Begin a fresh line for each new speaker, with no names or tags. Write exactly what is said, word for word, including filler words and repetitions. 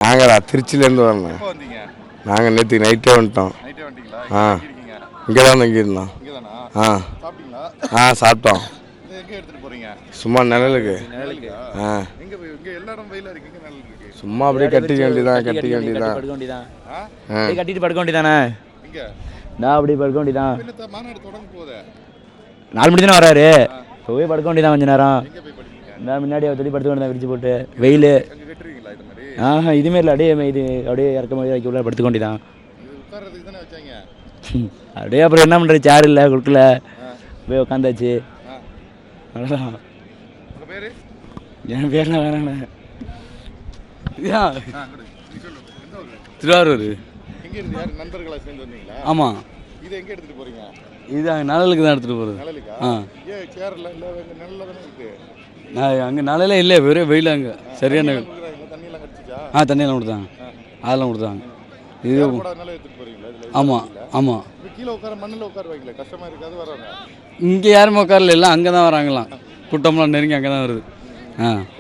நாங்களா திருச்சியிலேருந்து வரணும்.
எப்போ வந்தீங்க?
நாங்கள் நேற்று நைட்டே வந்துட்டோம்.
நைட்டே வந்துட்டீங்களா?
ஆ
எங்க இருக்கீங்க?
இங்கே தான் தங்கியிருந்தோம்.
இங்கே தானா?
ஆ
சாப்பிட்டீங்களா?
ஆ சாப்பிட்டோம்.
இது எங்கே எடுத்துகிட்டு போகிறீங்க?
சும்மா நிழலுக்கு.
நிழலுக்கு.
ஆ
எங்கே போய் இங்கே எல்லா இடம் வெயிலாக இருக்கு, இங்கே நிழல் இருக்கு.
சும்மா அப்படியே கட்டிக்க வேண்டியதான் கட்டிக்க வேண்டியதான்.
படுக்க வேண்டியதான்.
ஆ
அப்படியே கட்டிட்டு படுக்க வேண்டியதானே.
இங்கே
நான் அப்படியே படுக்க வேண்டியதான்.
என்னத்த மாநாடு தொடங்க போதே.
நாலு மணி தானே வராரு. போய் படுக்க வேண்டியதான் கொஞ்ச நேரம்.
எங்கே போய் படிப்பீங்க?
நான் முன்னாடி தொடி படுத்து வேண்டியதான் விரிச்சு போட்டு வெயில்.
அங்கே கட்டுறீங்களா இது மாதிரி?
ஆஹா இதுமாரி இல்லை, அப்படியே இது அப்படியே இறக்க மாதிரி வைக்க உள்ள படுத்துக்க வேண்டியதான்.
இது உட்கார்றதுக்கு தானே வச்சாங்க.
அப்படியே அப்புறம் என்ன பண்ணுறது, சேர் இல்லை கொடுக்கல, போய் உட்காந்தாச்சு.
ஆ
அவ்வளோதான்.
உங்கள் பேர்?
என் பேர்லாம் வேணாண்ணே.
ஆ அங்கே சொல்லு. எந்த ஊர்?
திருவாரூர்.
எங்கே இருந்து யார் நண்பர்களாக சேர்ந்து வந்தீங்களா?
ஆமாம்.
இதை எங்கே எடுத்துகிட்டு போகிறீங்க?
இது அங்கே நிழலுக்கு தான் எடுத்துகிட்டு போகிறது.
நிழலுக்கா?
ஆ
ஏன் சேரில் இல்லை, இங்கே நிழலில் தானே இருக்குது.
நான் அங்கே நிழலே இல்லை, வெறும் வெயில் அங்கே சரியான.
தண்ணியெல்லாம் கிடச்சிச்சா?
ஆ தண்ணியெல்லாம் கொடுத்தாங்க, அதெல்லாம் கொடுத்தாங்க. இது
போடாதனால எடுத்துகிட்டு போகிறீங்களா? இதில்
ஆமாம் ஆமாம்.
இப்போ கீழே உட்கார மண்ணில் உட்கார வைக்கல, கஷ்டமாக இருக்காது வராங்க.
இங்கே யாருமே உட்காரல, எல்லாம் அங்கே தான் வராங்களாம். கூட்டம்லாம் நெருங்கி அங்கே தான் வருது. ஆ